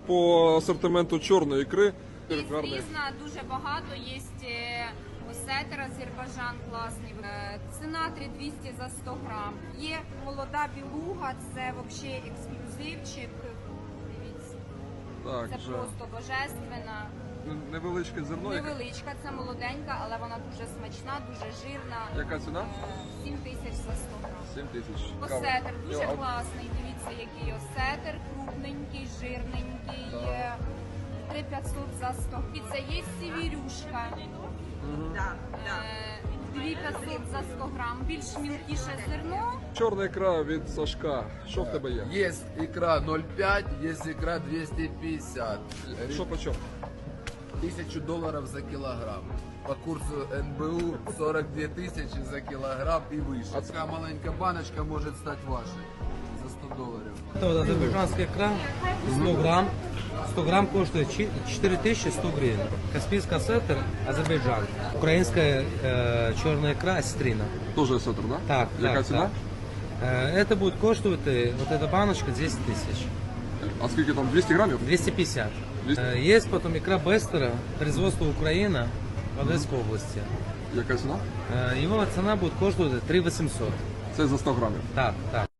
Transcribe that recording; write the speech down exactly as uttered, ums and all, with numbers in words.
по асортименту чорної ікри? І різна, дуже багато. Є осетер Азербайджан класний. Е, Ціна три тисячі двісті за сто грам. Є молода білуга, це взагалі ексклюзивчик. Дивіться, Так, це вже просто божественна. невеличке зерно. яке- Невеличка, це молоденька, але вона дуже смачна, дуже жирна. Яка ціна? Е, сім тисяч за сто грам. сім тисяч. Осетер дуже Йо, а- класний. Дивіться, який осетер, крупненький, жирненький. Так. Е, три тисячі п'ятсот за сто. І це є сівірюшка. Да, да. Е, дві тисячі п'ятсот за сто грам. Більш мілкіше зерно. Чорна ікра від Сашка. Що в тебе є? Есть икра ноль пять, есть икра двести пятьдесят. Що по чому? Тысячу долларов за килограмм. По курсу эн бэ у сорок две тысячи за килограмм и выше. А такая маленькая баночка может стать вашей за сто долларов. Это вот азербайджанская икра, сто грамм. сто грамм коштует четыре тысячи сто гривен. Каспийский осетр, Азербайджан. Украинская э, черная икра, осетрина. Теж осетр, да? Так, Яка так, ціна? так. Э, Это будет коштовать, э, вот эта баночка, десять тысяч. А скільки там? двісті грамів? двести пятьдесят. двести? Э, Есть потом икра Бестера, производство Украина, в Одесской области. Яка ціна? Э, Его цена будет коштовать три восемьсот. Це за сто грамів. Так, так.